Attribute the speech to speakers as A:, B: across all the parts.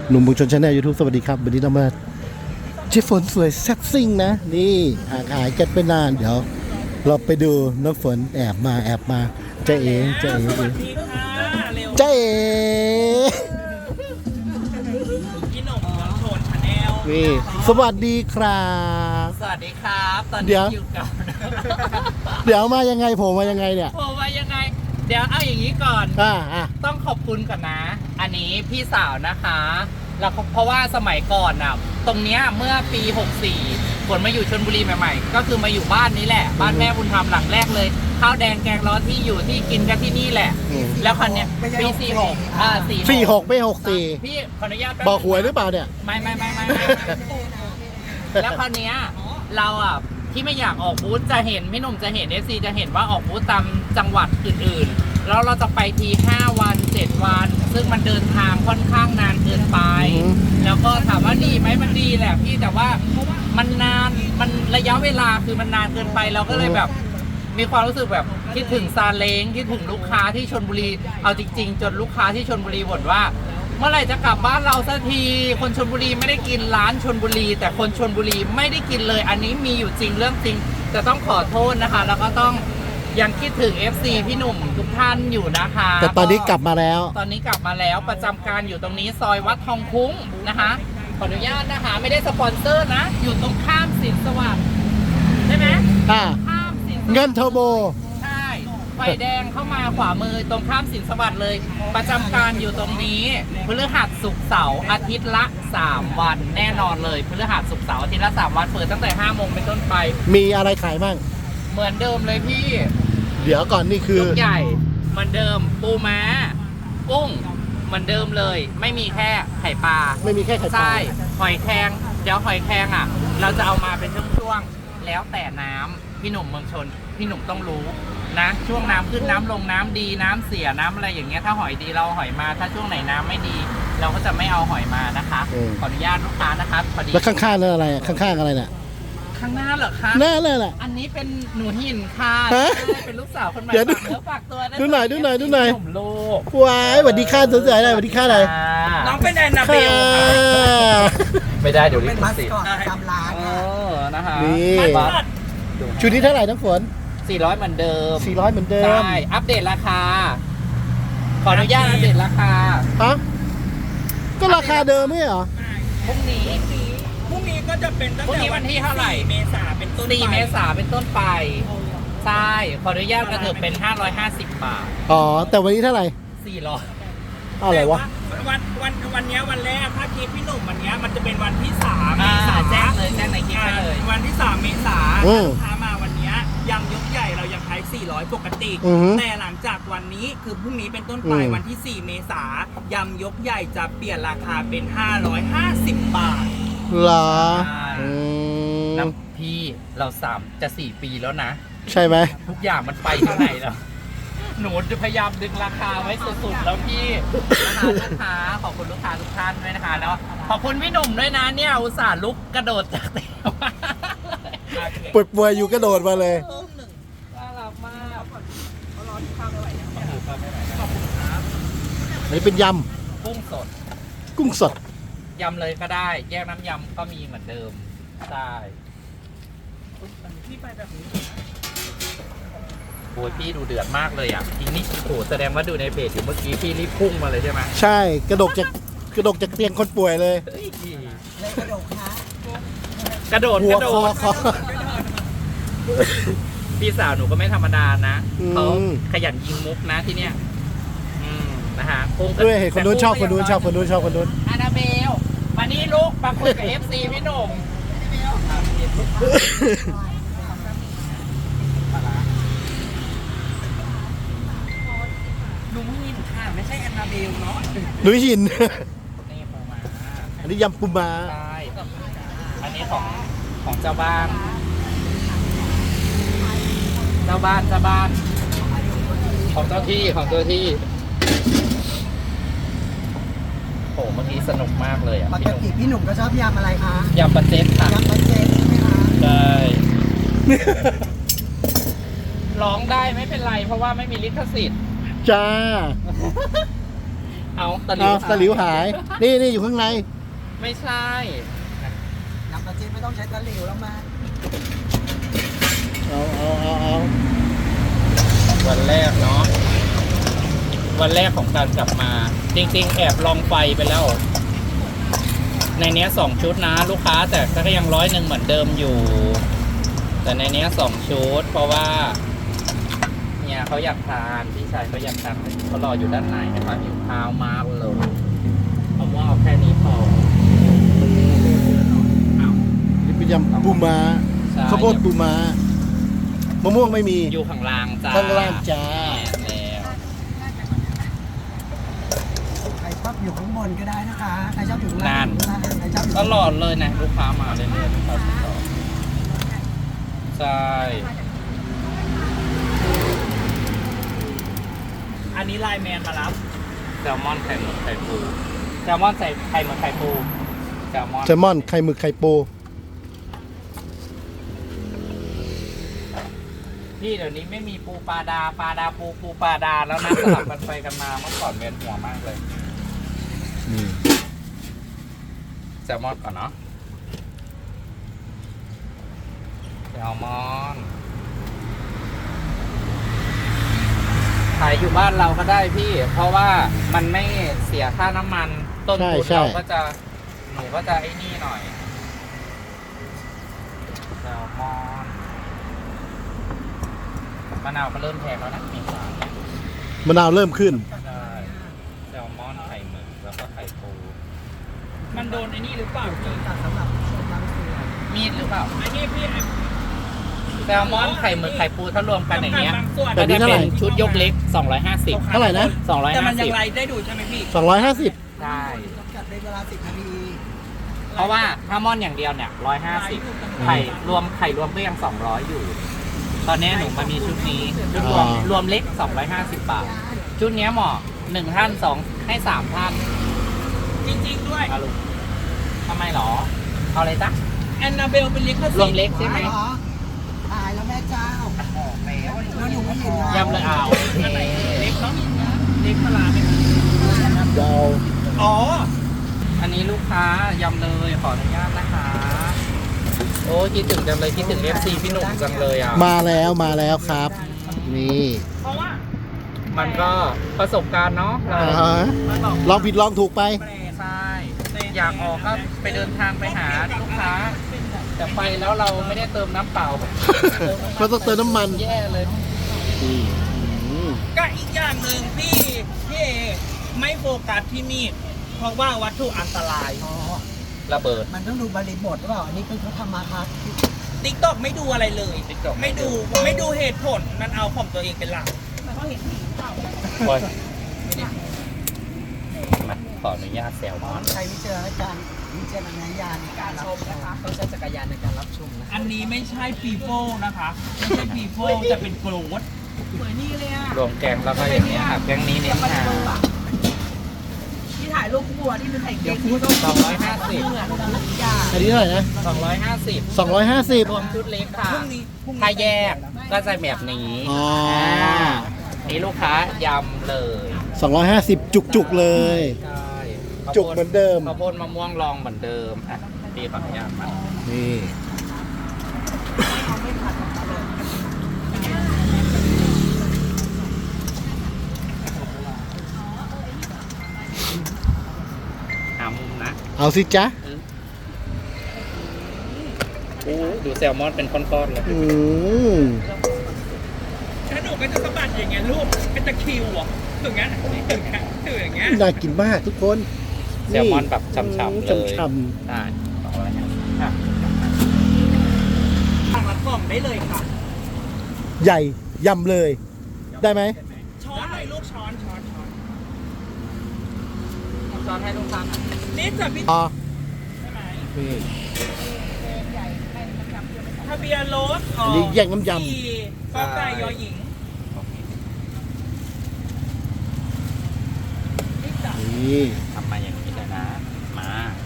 A: หนุ่มบุญชนชาแนลยูทูบสวัสดีครับวันนี้เรามาเจ๊ฝนสวยแซ่บซิ่งนะนี่ห่างหายกันไปนานเดี๋ยวเราไปดูน้องฝนแอบมาเจ๊เอ๋เจ๊เอ๋
B: สวัสดีค่ะเร็ว
A: เจ๊เอ๋
B: พี่หนุ่มเมืองชนชาแนล
A: นี่สวัสดีครับ
B: สวัสดีครับ ตอน
A: เดี๋
B: นี้
A: ยว
B: อยู่กับ
A: เดี๋ยวมายังไงผมมายังไงเนี่ย
B: ผมว่ายังไง เดี๋ยวเอาอย่างนี้ก่อน
A: อ่ะ
B: ต้องขอบคุณก่อนนะ อันนี้พี่สาวนะคะแล้วเพราะว่าสมัยก่อนน่ะ ตรงเนี้ยเมื่อปี 64ฝนมาอยู่ชลบุรีใหม่ๆ ก็คือมาอยู่บ้านนี้แหละ บ้านแม่บุญธรรมหลังแรกเลย ข้าวแดงแกงร้อนที่อยู่ที่กินกันที่นี่แหละ แล้วคนเนี้ยปี 46
A: 46ไม่64
B: พี่ขออนุญาตแป๊
A: บอกหวยหรือเปล่าเนี่ย
B: ไม่ แล้วคราวเนี้ยเราอ่ะที่ไม่อยากออกบูธจะเห็นพี่หนุ่มจะเห็น FC จะเห็นว่าออกบูธตามจังหวัดอื่นๆแล้วเราจะไปที5 วัน 7 วัน ซึ่งมันเดินทางค่อนข้างนานเกินไป แล้วก็ถามว่าดีไหมมันดีแหละพี่แต่ว่ามันนานมันระยะเวลาคือมันนานเกินไปเราก็เลยแบบ มีความรู้สึกแบบคิดถึงซาเล้งคิดถึงลูกค้าที่ชลบุรีเอาจริงๆจนลูกค้าที่ชลบุรีบ่นว่า เมื่อไหร่จะกลับบ้านเราสักทีคนชลบุรีไม่ได้กินร้านชลบุรี แต่คนชลบุรีไม่ได้กินเลย อันนี้มีอยู่จริงเรื่องจริงแต่ต้องขอโทษนะคะ แล้วก็ต้องยังคิดถึง FC พี่หนุ่มทุกท่านอยู่นะคะ
A: แต่ตอนนี้กลับมาแล้ว
B: ตอนนี้กลับมาแล้วประจำการอยู่ตรงนี้ซอยวัดทองคุ้งนะคะขออนุญาตนะคะไม่ได้สปอนเซอร์นะ อยู่ตรงข้ามสินสวัสดิ์ใช่ไหม
A: อ่ะ
B: ข้ามสินสวัสดิ์
A: เงินเทอร์โบ
B: ใช่ไฟแดงเข้ามาขวามือตรงข้ามสินสวัสดิ์เลย ประจำการอยู่ตรงนี้พฤหัสศุกร์เสาร์อาทิตย์ละ 3 วันแน่นอนเลยพฤหัสศุกร์เสาร์อาทิตย์ละ 3 วันเปิดตั้งแต่ 5 โมงเป็นต้นไป
A: มีอะไรขายบ้าง
B: เหมือนเดิมเลยพี่
A: เดี๋ยวก่อนนี่คือ
B: ลูกใหญ่เหมือนเดิมปูม้ากุ้งเหมือนเดิมเลย ไม่มีแค่ไข่ปลา
A: ไม่มีแค่ไข่ปลา
B: ใช่หอยแครงเดี๋ยวหอยแครงอ่ะ เราจะเอามาเป็นช่วงๆแล้วแต่น้ำพี่หนุ่มเมืองชนพี่หนุ่มต้องรู้นะช่วงน้ำขึ้นน้ำลงน้ำดีน้ำเสียน้ำอะไรอย่างเงี้ยถ้าหอยดีเราเอาหอยมาถ้าช่วงไหนน้ำไม่ดี เราก็จะไม่เอาหอยมานะคะขออนุญาตลูกค้านะคะพอดี
A: แล้วข้างๆนั่นอะไรข้างๆอะไรเนี่ย
B: ข้างหน้าเหรอคะ
A: หน้าเลยแหละ
B: อันนี้เป็นหนูหินค่ะ
A: ฮะ
B: ใช่เป็นลูกสาวคนใหม่
A: เดี๋ยวดู
B: ฝากเนื้อฝากตัวะ
A: ดูหน่อยดูหน่อยดูหน่อย
B: ผมลูก
A: ว้ายสวัสดีค่าสวยๆเลยสวัสดีค่าอะไร
B: น้องเป็นแอนนาเบลค่ะ ไม่ได้เดี๋ยวลิ
C: เป็น
B: ข
C: มัส
B: สิท
C: ค
B: ธิ์
C: อตประจำร้าน
B: เอ
C: นะ
B: อนะคะ
A: นี่
B: บัตร
A: ชุดนี้เท่าไหร่น้องฝน
B: 400เหมือนเดิม
A: 400เหมือนเดิม
B: ใช่ อัปเดตราคา ขออนุญาตอัปเดตราคา
A: ฮะก็ราคาเดิมไม่เหรอ
B: พรุ่งนี้
C: พรุ่งนี้ก็จะเป็นตั้ง
B: พรุ่ง
C: แต่
B: นี้วันที่เท่าไหร่
C: 4 เมษาเป็นต้นไป
B: 4 เมษาเป็นต้นไป ใช่ ขออนุญาตกระเถิบเป็น 550 บาท
A: อ๋อแต่วันนี้เท่าไหร่
B: 400
A: อะไรวะ
C: วันเนี้ยวันแรกถ้าคลิปพี่หนุ่มวันเนี้ยมันจะเป็นวันที่3 เม
B: อ่า
C: ษา
B: แจ้งเลยแจ้งในคลิปไปเลย
C: วันที่ 3 เมษา
A: อืม
C: ลูกค้ามาวันเนี้ยยำยกใหญ่เรายังขาย400 ปกติ
A: อือฮึ
C: แต่หลังจากวันนี้คือพรุ่งนี้เป็นต้นไป
A: อืม
C: วันที่ 4 เมษายำยกใหญ่จะเปลี่ยนราคาเป็น 550 บาท
A: เหรอ
B: ใช่
A: อืม
B: น้ำพี่เรา3จะ4 ปีแล้วนะ
A: ใช่ไหม
B: ทุกอย่างมันไปที่ไหนแล้ว หนูจะพยายามดึงราคาไว้สุดๆแล้วพี่นะคะลูกค้าขอบคุณลูกค้าทุกท่านด้วยนะคะแล้วขอบคุณพี่หนุ่มด้วยนะเนี่ยอุตส่าห์ลุกกระโดดจากเตียงมา
A: ป่วยๆอยู่กระโดดมาเลย
B: น่ารักมาก
A: อันนี้เป็นย
B: กุ้งสด
A: ำกุ้งสด
B: ยำเลยก็ได้ แยกน้ำยำก็มีเหมือนเดิมใช่โอ้ยพี่ดูเดือดมากเลยอ่ะทีนี้โอ้โหแสดงว่าดูในเพจอยู่เมื่อกี้พี่รีบพุ่งมาเลยใช่ไหม
A: ใช่กระดกจากเตียงคนป่วยเลย
B: เฮ้ย
C: เลยกระโดดคะ
B: กระโดด
A: หั
B: ก
A: ว
B: ระโด
A: คอ
B: ด
A: คอ
B: พี่สาวหนูก็ไม่ธรรมดานะ
A: อืม
B: เขาขยันยิงมุกนะที่เนี้ยนะฮะกุ้งก็
A: ด้วยเห็นคนนู้นชอบคนนู้นชอบคนนู้นชอบคนนู้น
B: อานาเบลมานี่ลูกมาคุยกับ FC พี่หนุ่มหนูมีนค่ะไม่ใช่แอนนาเบลเนาะ
A: หนุยหิน
B: นี่ปูมา
A: อันนี้ยำปูม้า
B: ใช่อันนี้ของเจ้าบ้าน เจ้าบ้านของเจ้าที่โอ้เมื่อกี้สนุกมากเลยอ่ะ
C: ปกติพี่หนุ่มก็ชอบยำอะไรคะ
B: ยำปลาเจ็ดค่ะ
C: ยำปลาเจ็ดใช่ไหมคะ
B: ใช่ ร้องได้ไม่เป็นไรเพราะว่าไม่มีลิขสิทธิ์
A: จ้า
B: เอาตะหลิ
A: เอา
B: ว
A: ตะหลิวหาย นี่อยู่ข้างใน
B: ไม่ใช่
D: น้ำปลาจีนไม่ต้องใช้ตะหลิวแล้วมา
A: เอา
B: วันแรกเนาะวันแรกของการกลับมา จริงๆ แอบลองไฟไปแล้ว ในเนี้ย2 ชุดนะลูกค้าแต่ก็ยัง100เหมือนเดิมอยู่ แต่ในเนี้ย2 ชุด เพราะว่าเนี่ยเขาอยากทานพี่ชายเขาอยากทานเขารออยู่ด้านในนะครับหิวข้าวมากเลยเอาว่าเอาแค่นี้พอเอา
A: นี่เป็นยำปูม้า
B: ใช่
A: ข้าวโพดปูม้ามะม่วงไม่มี
B: อยู่ข้างล่างจ้า
A: ข้างล่างจ้า
B: แล้ว
D: ใครชอบอยู่ข้างบนก็ได้นะคะ ใครชอบอยู่ข้างล่างใครชอบอยู่
B: ตลอดเลยนะลูกค้ามาเรื่อยๆลูกค้าติดต่อใช่
C: อันนี้ไลน์แมนมารับ
B: แซลมอนไข่หมึกไข่ปูแซลมอนใส่ไข่หมึกไข่ปูแซลมอน
A: แซลมอนไข่หมึกไข่ปู
B: พี่เดี๋ยวนี้ไม่มีปูปลาดาปูปลาดาแล้วนะสลับกันไปกันมาเมื่อก่อนเวียนหัวมากเลย
A: นี่
B: แซลมอนก่อนเนาะแซลมอนขายอยู่บ้านเราก็ได้พี่ เพราะว่ามันไม่เสียค่าน้ำมันต้นทุนเราก็จะหนูก็จะไอ้นี่หน่อยแซลมอนมะนาวก็เริ่มแพงแล้วนะมีสาม
A: มะนาวเริ่มขึ้น
B: ใช่แซลมอนไข่หมึกแล้วก็ไข่ปู
C: มันโดนไอ้นี่หรือเปล่าพี่
D: ตัดสำหรับชมบางส่วน
B: มีดหรือเปล่า
C: ไอ้นี่พี่
B: แซลมอนไข่หมึกไข่ปูถ้ารวมกันอย่างเงี้ย
C: บางส่วน
A: แบ
B: ก็
A: บนี้
B: จะ
A: เท่าไหร่
B: เป็นชุดยกเล็ก 250
A: เท่าไหร่นะ
C: แต่มันยังไล
B: 250
C: ฟ์ได้ดูใช่ไหมพี่
A: 250
B: ใช่
D: จัดในเวลา10 นาที
B: เพราะว่าถ้ามอนอย่างเดียวเนี่ย150ไข่รวมก็ยัง200อยู่ ตอนนี้หนูมามีชุดนี้ชุดรวมเล็ก250 บาท ชุดเนี้ยเหมาะ1ท่าน2ให้3ท่าน
C: จริงๆด้วย
B: เอาลูกทำไมหรอ เอาอะไรจ๊ะ
C: แอนนาเบลเป็นลิข
B: ร
C: สิ
B: ว
C: ท
B: ม
C: ธิ์
B: เล็กใช่ไหม
D: เหรอตายแล้วแม่เจ้าแล้วหนูไม่เห็นนะ
B: ยำเลยเอา
C: อันไหนเล็กเนาะเล็กปลาร้าไหมครับ
A: ยาว
C: อ๋อ
B: อันนี้ลูกค้ายำเลยขออนุญาตนะคะ โอ้คิดถึงจังเลยคิดถึง FC พี่หนุ่มจังเลยอ่ะ
A: มาแล้วครับ นี่
C: เพราะว่า
B: มันก็ประสบการณ์เนาะเรา
A: อ่าฮะ
C: มันบอก
A: ลองผิดลองถูกไป
B: ใช่ อยากออกก็ไปเดินทางไปหาลูกค้า แต่ไปแล้วเราไม่ได้เติมน้ำเปล่า
A: เราต้องเติมน้ำมัน
B: แย่เลย
A: อืม
C: ก็อีกอย่างหนึ่งพี่เอไม่โฟกัสที่มีดเพราะว่าวัตถุอันตราย
D: อ๋อ
B: ระเบิด
D: มันต้องดูบริบทหรือเปล่า อันนี้เป็นเขาทำมาค้า
C: ติ๊กต็อกไม่ดูอะไรเลย
B: TikTok
C: ไม่ดูเหตุผลมันเอาของตัวเองเป็นหลัก
B: บอยมาขออนุญาตแซวมอน
D: ใช้วิจารณญาณในการรับชมนะคะต้องใช้จักรยานในการรับชมนะ
C: อันนี้ไม่ใช่ปีโป้นะคะไม่ใช่ปีโป้จะเป็นโกรธสวยนี่เลยอ่ะ
B: รวมแกงแล้วก็อย่างเงี้ยค่ะแกงนี้เน้นหา
D: ที่ถ่ายรูปคู่ที่เป็นไข่เค็ม
B: 250
A: อันนี้เท่าไหร่นะ
B: 250
A: 250
B: รวมชุดเล็กค่ะ
C: พรุ่งนี้
B: ถ้าแยกก็จะแบบนี้
A: อ๋อ
B: นี่ลูกค้ายำเลย
A: 250 จุกๆเลย
B: ใช่
A: จุกเหมือนเดิม
B: ข้าวโพดมะม่วงลองเหมือนเดิมอ่ะปีขออนุญาตมา
A: นี่
B: หามุมนะ
A: เอาสิจ๊ะ
B: โอ้ดูแซลมอนเป็นก้อนๆเลย
A: อืม
C: ถ้าหนูก็จะสะบัดอย่างเงี้ยลูกเป็นตะคริวอ่ะถึงงั้นถึงอย่างเงี้ย
A: น่ากินมากทุกคน
B: แซลมอนแบบฉ่ำๆเลย
A: ฉ่
B: ได้250อ่ะ
C: สั่งละกล่องได้เลยค่ะ
A: ๆใหญ่ยำเลย ได้ไหม
C: ช้อนเลยลูกช้อน
B: ซอนให้ลูกค้าหน่อย
C: นี่จะพี่
A: อ๋อ
C: ใช่ไหม
A: นี่
C: ทะเบียนรถ
A: อันนี้แยกน้ำยำ
C: 4กไก่ยอหญิง
A: นี่
B: ทำมาอย่างนี้เลยนะ มา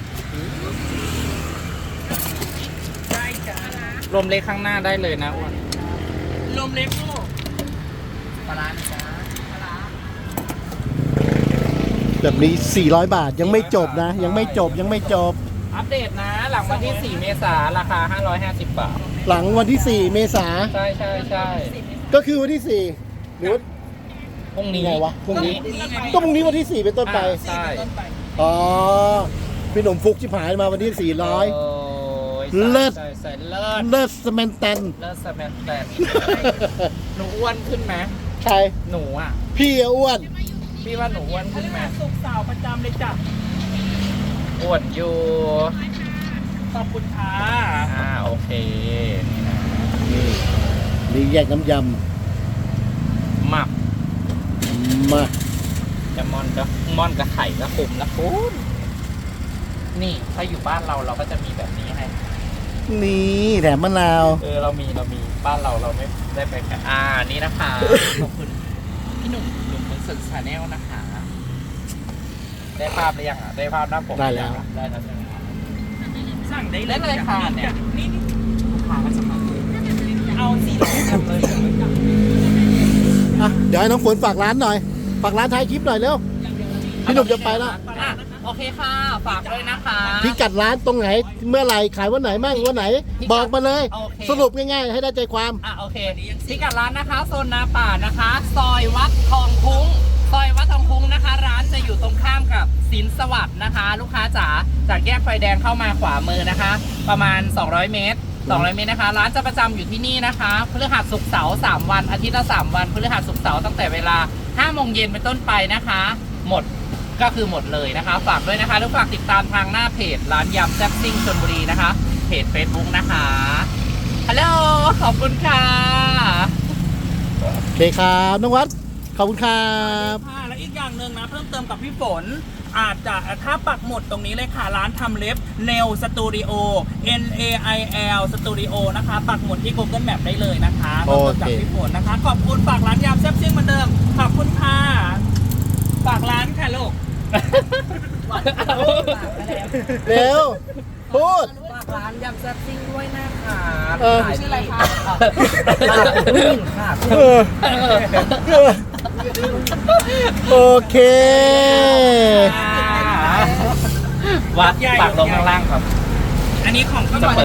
C: ได้จ้าร
B: วมเล็กข้างหน้าได้เลยนะอ้วน
C: ลมเล็กลูก
B: ปลาร้าจ้า
A: แซแบบนี้ 400 บาทยังไม่จบนะ ยังไม่จบยังไม่จบ
B: อัปเดตนะ หลังวันที่ 4 เมษาราคา 550 บาท
A: หลังวันที่ 4 เมษา
B: ใช่ใช่ใช่
A: ก็คือวันที่ 4 หรือว่า
B: พรุ่งนี้
A: ไงวะพรุ่งนี้ ก็พรุ่งนี้วันที่ 4 เป็นต้นไป
B: ใช่
A: อ๋อ พี่หนุ่มฟุกชิบหายมาวันที่
B: โอ้ย
A: เลิศ
B: ใช่ใช่เลิศ
A: 400 เลิศสแมนแตน
B: เลิศสแมนแตนหนูอ้วนขึ้นไหม
A: ใคร
B: หนูอ่ะ
A: พี่อะอ้วน
B: พี่ว่าหนูอ้วนขึ้นไหม
C: สุกสาวประจำเลยจ้ะ
B: อ้วนอยู่
C: ขอบคุณค่ะ
B: โอเคนี่นะ
A: นี่นี่แยกน้ำย
B: หมัก
A: ำมา
B: จะม่อนกับไข่ก็คุมนะคุณนี่ถ้าอยู่บ้านเราก็จะมีแบบนี้ให้
A: นี่แถมมะนาว
B: เรามีบ้านเราไม่ได้ไปกันนี่นะคะ ขอบคุณพี่หนุ่มคนสุดชาแนลนะคะ ได้ภาพหรือยังได้ภาพหน้าปก
A: ได้แล้ว
B: ได้แล้วใช่ไหม
C: สั่งได้
B: ได้เลยค่ะเนี่ย
C: นี่
B: ลูกค้าก็จะมา
C: เอา400เลย
A: อ่ะเดี๋ยวให้น้องฝนฝากร้านหน่อย ฝากร้านท้ายคลิปหน่อยเร็ว พี่หนุ่มจะไปแล้ว
B: โอเคค่ะ ฝากด้วยนะคะ
A: พิกัดร้านตรงไหน เมื่อไหร่ขายวันไหนบ้างวันไหน บอกมาเลย
B: โอเค
A: สรุปง่ายๆ ให้ได้ใจความ
B: โอเคพิกัดร้านนะคะโซนนาป่านะคะ ซอยวัดทองคุ้งซอยวัดทองคุ้งนะคะ ร้านจะอยู่ตรงข้ามกับสินสวัสดิ์นะคะ ลูกค้าจ๋าจากแยกไฟแดงเข้ามาขวามือนะคะ ประมาณ 200 เมตร 200 เมตรนะคะ ร้านจะประจำอยู่ที่นี่นะคะพฤหัสศุกร์เสาร์3วันอาทิตย์ละ3วันพฤหัสศุกร์เสาร์ตั้งแต่เวลา 5 โมงเย็นเป็นต้นไปนะคะ หมดก็คือหมดเลยนะคะ ฝากด้วยนะคะแล้วฝากติดตามทางหน้าเพจร้านยำแซ่บซิ่งชลบุรีนะคะ เพจ Facebook นะคะฮัลโหลขอบคุณค่ะ
A: โอเคครับน้องวัด ขอบคุณครับ
C: ค่ะและอีกอย่างหนึ่งนะเพิ่มเติมกับพี่ฝน อาจจะถ้าปักหมุดตรงนี้เลยค่ะ ร้านทำเล็บ Nail Studio NAIL Studio นะคะ ปักหมุดที่ Google Map ได้เลยนะคะ
A: โอเค
C: จากพี่ฝนนะคะ ขอบคุณฝากร้านยำแซ่บซิ่งเหมือนเดิม ขอบคุณค่ะ ฝากร้านค่ะลูก
A: เร็ว พูด
D: ฝากร้านยำแซ่บซิ่งด้วยนะคะ
A: เออ
D: ขายชื่ออะไรคะผู้หญิงค่ะ
A: เออโอเค
B: วัดปากลงข้างล่างครับ
C: อันนี้ของก็
B: จะ
C: มา
B: เปิด